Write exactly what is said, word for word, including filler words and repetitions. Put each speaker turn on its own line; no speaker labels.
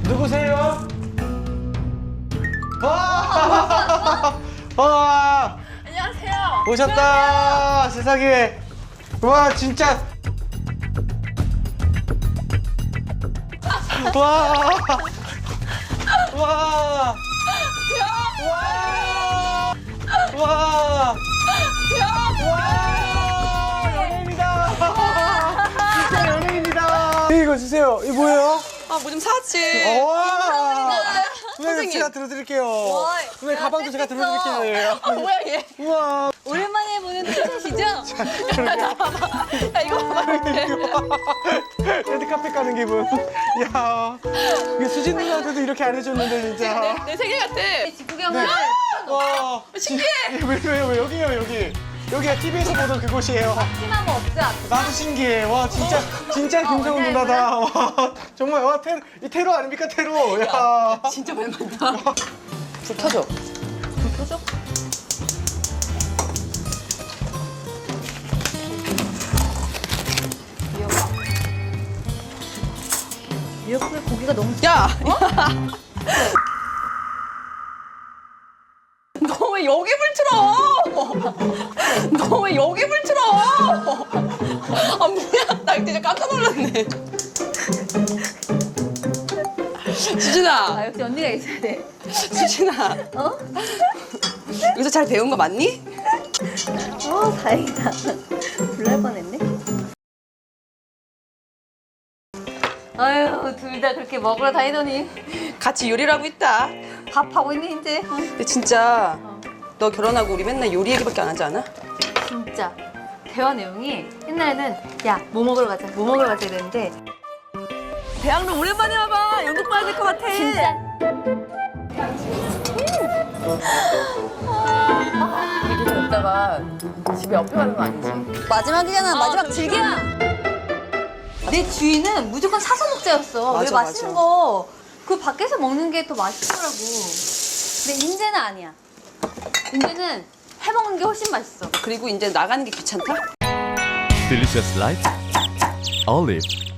누구세요? 와! 와!
안녕하세요.
오셨다. 세상에. 와, 진짜. 와! 와! 와! 와! 와! 연예인이다. 진짜 연예인이다. 이거 주세요. 이거 뭐예요?
아, 뭐 좀 사지.
와! 선생님
선생님.
제가 들어드릴게요.
와,
선생님 가방도 제가
뺏겼어.
들어드릴게요.
아, 뭐야, 얘.
우와.
오랜만에 보는 티셔츠죠?
야, 이거 봐봐.
레드카펫 가는 기분. 야, 이게 수진 누나한테도 이렇게 안 해줬는데 진짜.
내, 내 생일 같아.
직구경을
와,
신기해.
왜, 왜, 왜 여기요 여기. 여기가 티비에서 보던 그곳이에요.
심한 거 없지 않아?
나도 신기해. 와, 진짜 진짜 김성훈
언니
누나다. 와, 정말 와 테러, 이 테러 아닙니까 테러. 야.
진짜 오랜만이다. 불 켜줘.
불 켜줘? 미역국에 고기가 너무
야! 너 왜 여기 불 틀어? 너 왜 여기 불 틀어? 아, 뭐야. 나 진짜 깜짝 놀랐네. 수진아,
아, 역시 언니가 있어야 돼.
수진아.
어?
여기서 잘 배운 거 맞니?
어, 다행이다. 불날 뻔했네. 아유, 둘 다 그렇게 먹으러 다니더니
같이 요리를 하고 있다.
밥하고 있네, 이제. 어,
근데 진짜 너 결혼하고 우리 맨날 요리 얘기밖에 안 하지 않아?
진짜. 대화 내용이 옛날에는 야, 뭐 먹으러 가자, 뭐 먹으러 가자 이랬는데
대학로 오랜만에 와봐. 연극 봐야 될 것 같아.
진짜.
얘기 듣다가 집에 옆에 가는 거 아니지?
마지막이잖아, 마지막
저
즐겨. 내 주인은 무조건 사서 먹자였어. 왜
맞아,
맛있는
맞아.
거 그 밖에서 먹는 게 더 맛있더라고. 근데 인제는 아니야. 인제는 해 먹는 게 훨씬 맛있어.
그리고 이제 나가는 게 귀찮다?
Delicious Life Olive